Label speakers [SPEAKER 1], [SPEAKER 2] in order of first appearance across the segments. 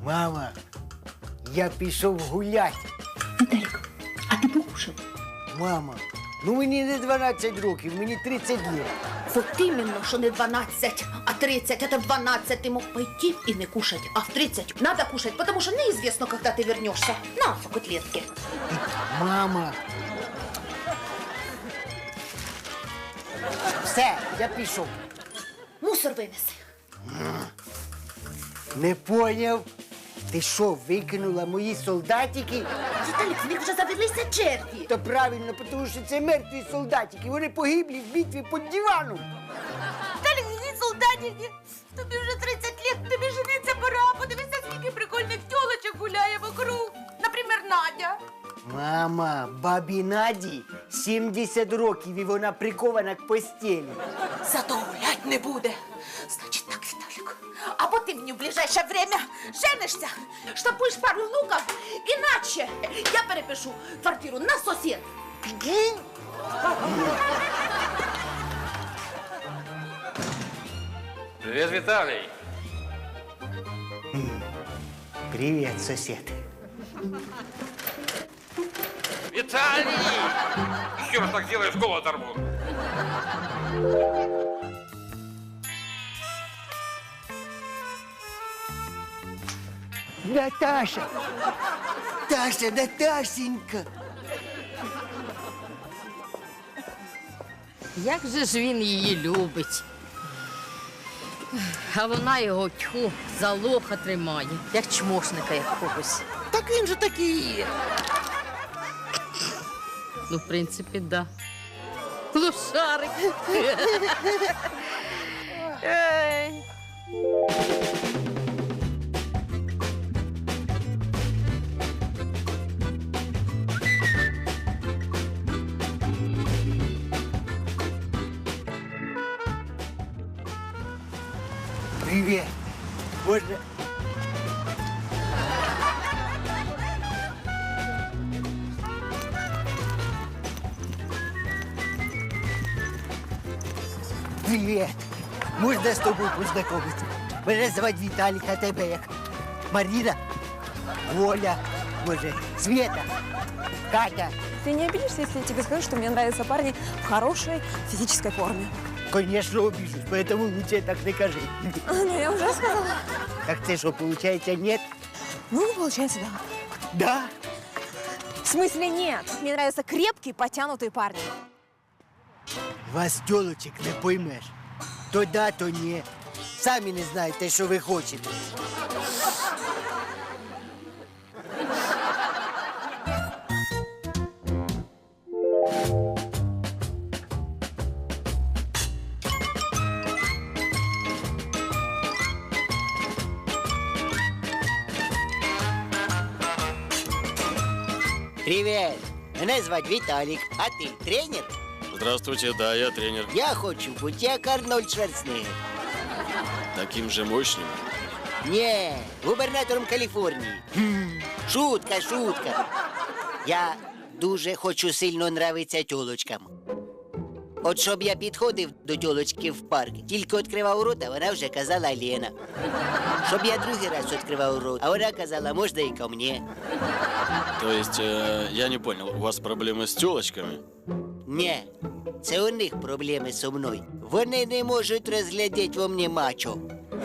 [SPEAKER 1] Мама, я пішов гуляти.
[SPEAKER 2] Віталік, а ти покушав?
[SPEAKER 1] Мама, ну мені не 12 років, мені 30 років.
[SPEAKER 2] Вот іменно, що не 12, а 30. Это в 12 ти мог пойти і не кушать, а в 30 надо кушать, потому что неизвестно, когда ты вернешься. На, котлетки.
[SPEAKER 1] Мама. Все, я пішов.
[SPEAKER 2] Мусор винеси.
[SPEAKER 1] Не поняв. Ти що, викинула мої солдатики?
[SPEAKER 2] Віталік, в них вже завелися черті.
[SPEAKER 1] То правильно, тому що це мертві солдатики. Вони погиблі в битві під диваном.
[SPEAKER 2] Віталік, ні солдатики. Тобі вже 30 лет, тобі жениться пора. Подивися, скільки прикольних тьолочок гуляє вокруг. Наприклад, Надя.
[SPEAKER 1] Мама, бабі Наді 70 років і вона прикована к постелі.
[SPEAKER 2] Зато гулять не буде. Значить так, Віталік. Або ти мені в ближайше время женишся, штампуєш пару внуків, іначе я перепишу квартиру на сусід.
[SPEAKER 3] Привет, Виталий.
[SPEAKER 1] Привіт, сусід.
[SPEAKER 3] Виталий! Еще раз так делаешь, голову оторву.
[SPEAKER 1] Наташа! Таша, Наташенька!
[SPEAKER 4] Як же ж він її любить. А вона його тьху за лоха тримає, як чмошника якогось.
[SPEAKER 5] Так він же такий.
[SPEAKER 4] Ну, в принципі, да. Лошарик.
[SPEAKER 1] Привіт! Можна... Привіт! Можна з тобою познайомитися? Мене звати Віталік, а тебе як? Маріна? Оля? Може, Света? Катя?
[SPEAKER 6] Ты не обидишься, если я тебе скажу, что мне нравятся парни в хорошей физической форме?
[SPEAKER 1] Конечно, обижусь, поэтому лучше так не кажи.
[SPEAKER 6] Ну, я уже сказала.
[SPEAKER 1] Так це що, получается, нет?
[SPEAKER 6] Ну, получается, да.
[SPEAKER 1] Да?
[SPEAKER 6] В смысле нет? Мне нравятся крепкие, потянутые парни.
[SPEAKER 1] Вас, тёлочек, не поймеш. То да, то ні. Самі не знаєте, що ви хочете. Привіт! Мене звати Віталік, а ти тренер?
[SPEAKER 7] Здравствуйте, да, я тренер.
[SPEAKER 1] Я хочу бути як Арнольд Шварценеггер.
[SPEAKER 7] Таким же мощным.
[SPEAKER 1] Ні, губернатором Каліфорнії. Шутка, шутка. Я дуже хочу сильно нравитися тьолочкам. От щоб я підходив до тьолочки в парк, тільки відкривав рот, а вона вже казала Лена. Щоб я другий раз відкривав рот, а вона казала, можна і ко мені.
[SPEAKER 7] То есть, я не понял, у вас проблемы с тёлочками?
[SPEAKER 1] Ні, це у них проблеми зі мною. Вони не можуть розглядіти во мені мачо.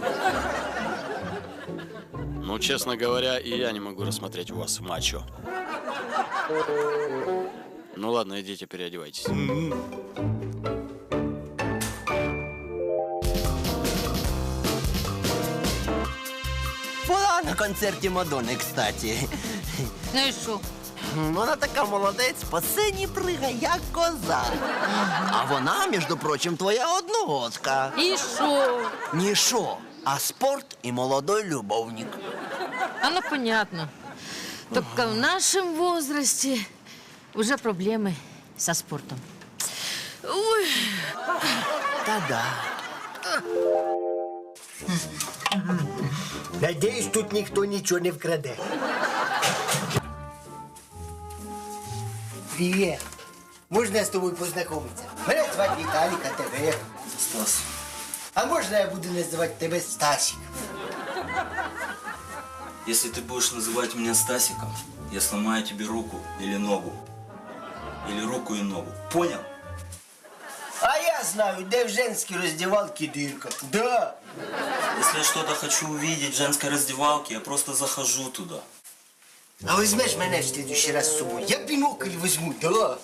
[SPEAKER 7] Ну, честно говоря, и я не могу рассмотреть у вас мачо. Ну ладно, идите переодевайтесь.
[SPEAKER 5] Була на концерті Мадонни, кстати.
[SPEAKER 4] Ну і що?
[SPEAKER 5] Вона така молодець, по сцені пригає, як коза. А вона, між прочим, твоя одногодка.
[SPEAKER 4] І що?
[SPEAKER 5] Ні шо, а спорт і молодой любовник.
[SPEAKER 4] А ну, понятно. Только в нашем возрасте уже проблемы со спортом. Ой.
[SPEAKER 5] Та-да.
[SPEAKER 1] Надіюсь, тут ніхто нічого не вкраде. Привіт. Можна з тобою познайомитися? Мене звати Віталік, а тебе?
[SPEAKER 5] Стас.
[SPEAKER 1] А можна я буду називати тебе Стасик?
[SPEAKER 8] Если ты будешь называть меня Стасиком, я сломаю тебе руку или ногу. Или руку и ногу. Понял?
[SPEAKER 1] А я знаю, де в женській роздівалці дирка. Да.
[SPEAKER 8] Если я что-то хочу увидеть в женской раздевалке, я просто захожу туда.
[SPEAKER 1] А візьмеш мене в следующий раз з собою? Я бінокль візьму, да.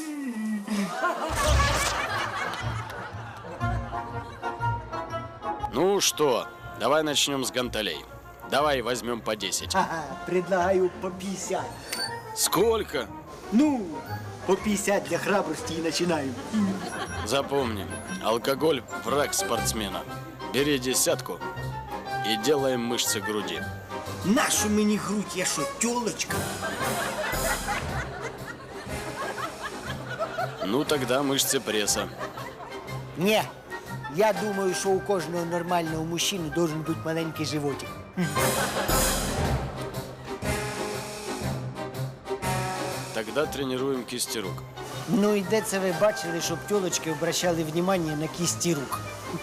[SPEAKER 7] Ну что, давай начнем с гантелей. Давай возьмем по 10.
[SPEAKER 9] Ага, предлагаю по 50.
[SPEAKER 7] Сколько?
[SPEAKER 9] Ну, по 50 для храбрости и начинаем.
[SPEAKER 7] Запомни, алкоголь – враг спортсмена. Бери 10 и делаем мышцы груди.
[SPEAKER 9] Нашу мені грудь, я що, тёлочка?
[SPEAKER 7] Ну тогда мышцы пресса.
[SPEAKER 9] Не, я думаю, що у кожного нормального мужчини должен бути маленький животик.
[SPEAKER 7] Тогда тренируем кисти рук.
[SPEAKER 9] Ну і де це ви бачили, щоб тёлочки обращали внимание на кисти рук?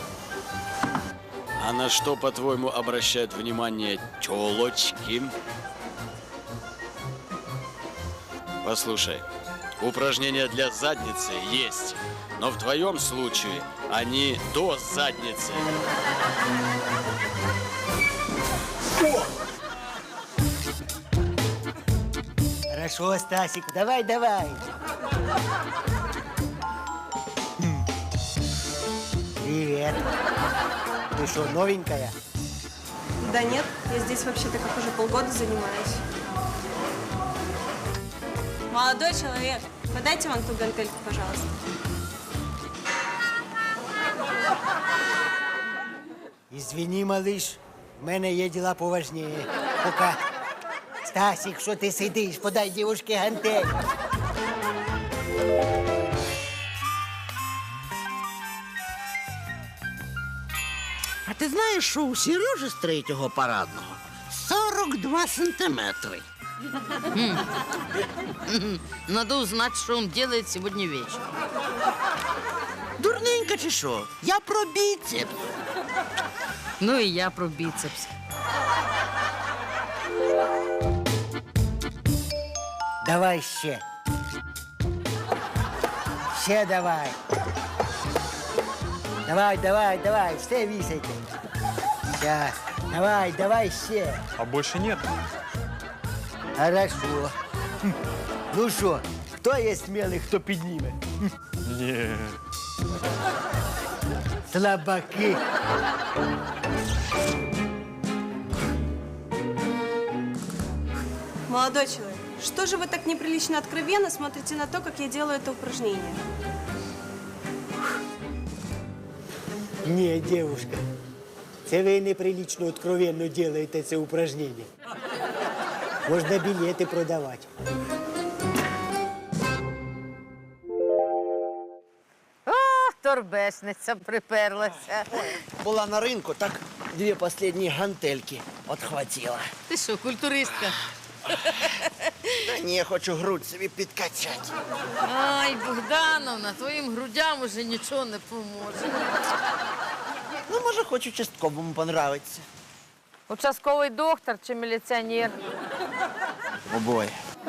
[SPEAKER 7] А на что, по-твоему, обращают внимание тёлочки? Послушай, упражнения для задницы есть, но в твоем случае они до задницы.
[SPEAKER 9] Хорошо, Стасик, давай, давай. Привет. Ты что, новенькая?
[SPEAKER 6] Да нет, я здесь вообще-то как уже полгода занимаюсь. Молодой человек, подайте вон ту гантельку, пожалуйста.
[SPEAKER 9] Извини, малыш, в мене є діла поважніше. Пока. Стасик, що ти сидиш? Подай дівушці гантель.
[SPEAKER 5] А ти знаєш, що у Сережі з 3-го парадного 42 сантиметри.
[SPEAKER 4] Надо узнать, что он делает сегодня вечером.
[SPEAKER 5] Дурненька чи що? Я про біцепс.
[SPEAKER 4] Ну и я про бицепс.
[SPEAKER 9] Давай ще. Ще давай. Давай, давай, давай, все вісайте. Сейчас. Давай, давай ще.
[SPEAKER 3] А больше нет?
[SPEAKER 9] Хорошо. Ну що, хто є смілий, хто підніме?
[SPEAKER 3] Не.
[SPEAKER 9] Слабаки.
[SPEAKER 6] Молодой человек, что же вы так неприлично откровенно смотрите на то, как я делаю это упражнение?
[SPEAKER 9] Ні, дівушка, це ви неприлично откровенно делаєте це упражнення. Можна білети продавати.
[SPEAKER 4] Торбесниця приперлася.
[SPEAKER 5] Була на ринку, так 2 останні гантельки отхватила.
[SPEAKER 4] Ти що, культуристка?
[SPEAKER 5] Та ні, я хочу грудь собі підкачати.
[SPEAKER 4] Ай, Богдановна, твоїм грудям уже нічого не поможе.
[SPEAKER 5] Ну, може, хоч участковому понравиться.
[SPEAKER 4] Участковий доктор чи міліціонер?
[SPEAKER 5] Обоє.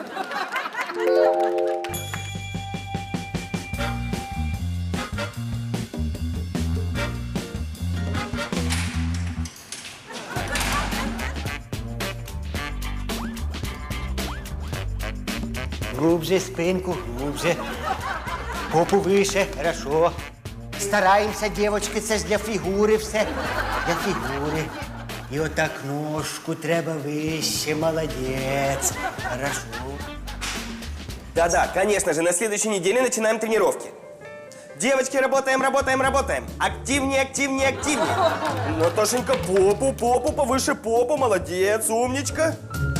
[SPEAKER 9] Глубже спинку, глубже. Попу вище, хорошо. Стараємося, дівчатки, це ж для фігури все. Для фігури. І отак ножку треба вище, молодець. Хорошо.
[SPEAKER 10] Да-да, конечно же, на следующей неделе начинаем тренировки. Девочки, работаем, работаем, работаем. Активнее, активнее, активнее. Наташенька, попу, попу, повыше попу, молодец, умничка.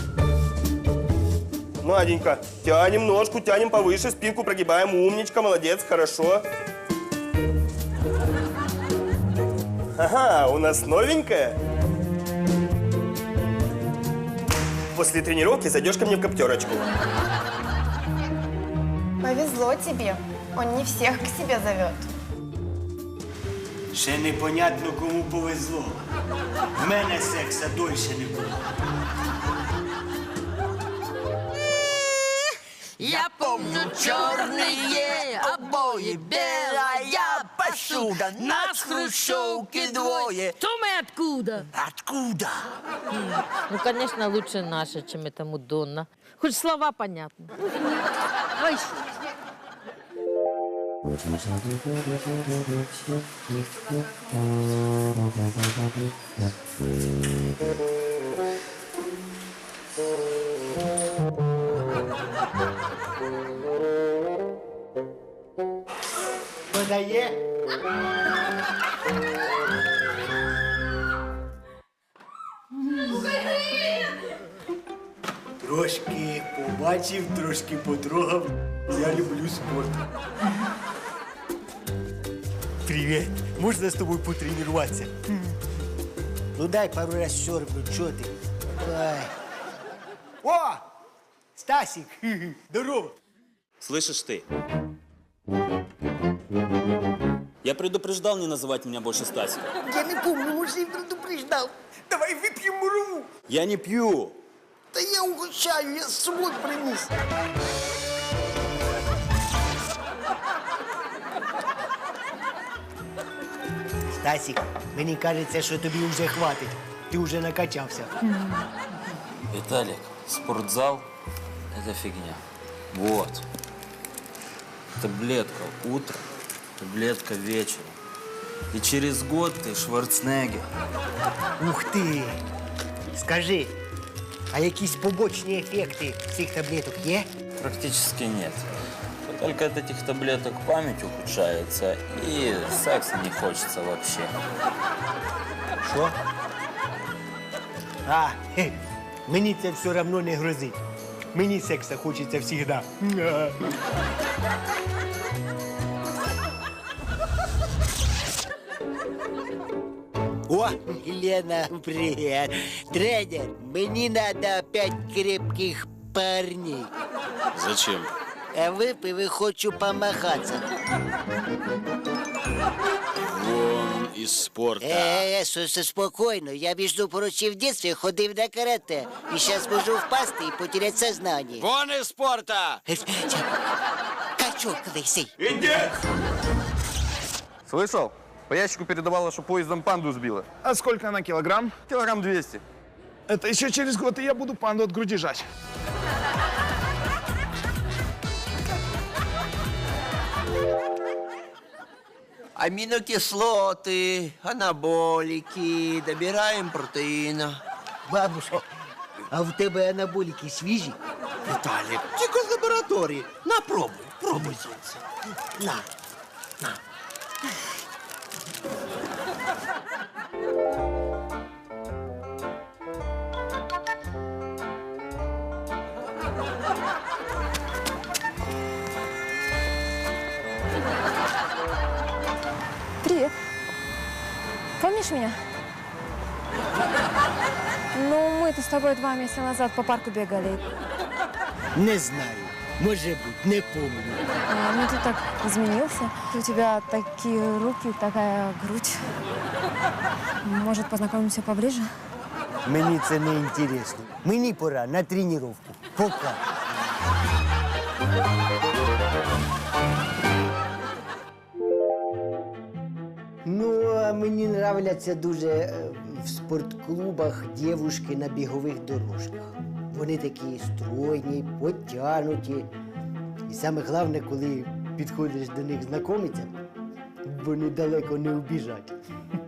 [SPEAKER 10] Наденька, тянем ножку, тянем повыше, спинку прогибаем, умничка, молодец, хорошо. Ага, у нас новенькая. После тренировки зайдешь ко мне в коптерочку.
[SPEAKER 11] Повезло тебе. Он не всех к себе зовет.
[SPEAKER 9] Ще непонятно, кому повезло. В мене секса дольше не було.
[SPEAKER 5] Я помню черные обои, белая посуда, нас в хрущевке двое.
[SPEAKER 4] Томе, откуда?
[SPEAKER 5] Откуда?
[SPEAKER 4] Ну, конечно, лучше наша, чем эта Мадонна. Хоть слова понятны. Ой,
[SPEAKER 9] Подає? Трошки побачив, трошки потрогав. Я люблю спорт. Привіт. Можна з тобою потренуватися? Ну дай пару раз сьорбну, чого ти? Ай. О! Стасик! Здорово!
[SPEAKER 8] Слышишь ты? Я предупреждал не называть меня больше Стасиком.
[SPEAKER 9] Я не помню, може, і предупреждав. Давай вип'ємо мурову.
[SPEAKER 8] Я не пью.
[SPEAKER 9] Та я угощаю, я з собою приніс. Стасик, мені кажеться, що тобі вже хватить. Ти вже накачався.
[SPEAKER 8] Виталик, спортзал – это фигня. Вот. Таблетка утром, таблетка вечером. И через год ты Шварценеггер.
[SPEAKER 9] Ух ти! Скажи, а якісь побочні ефекти цих таблеток є?
[SPEAKER 8] Практически нет. Только от этих таблеток память ухудшается, и секса не хочется вообще.
[SPEAKER 9] Що? Мені це все одно не грозить. Мені секса хочеться завжди. О, Лена, привет. Тренер, мне надо опять крепких парней.
[SPEAKER 7] Зачем?
[SPEAKER 1] А выпив и хочу помахаться.
[SPEAKER 7] Вон из спорта.
[SPEAKER 1] Спокойно. Я, между прочим, в детстве ходив на карате. И сейчас можу впасти и потерять сознание.
[SPEAKER 7] Вон из спорта!
[SPEAKER 1] Качок лысый.
[SPEAKER 3] Слышал? По ящику передавала, что поездом панду сбила.
[SPEAKER 12] А сколько она килограмм?
[SPEAKER 3] Килограмм 200.
[SPEAKER 12] Это еще через год, и я буду панду от груди жать.
[SPEAKER 5] Аминокислоты, анаболики, добираем протеина.
[SPEAKER 9] Бабушка, а в тебе анаболики свіжі?
[SPEAKER 5] Виталик, тільки з лабораторії. На, пробуй, пробуй, сонце. На, на.
[SPEAKER 6] Привет. Помнишь меня? Ну, мы-то с тобой 2 месяца назад по парку бегали.
[SPEAKER 9] Не знаю. Може бути, не помню.
[SPEAKER 6] Ну, ты так изменился. У тебя такие руки, такая грудь. Может, познакомимся поближе?
[SPEAKER 9] Мені це не інтересно. Мені пора на тренування. Пока. Ну, а мені нравляться дуже в спортклубах дівушки на бігових дорожках. Вони такі стройні, потягнуті. І саме головне, коли підходиш до них знайомитися, вони далеко не убіжать.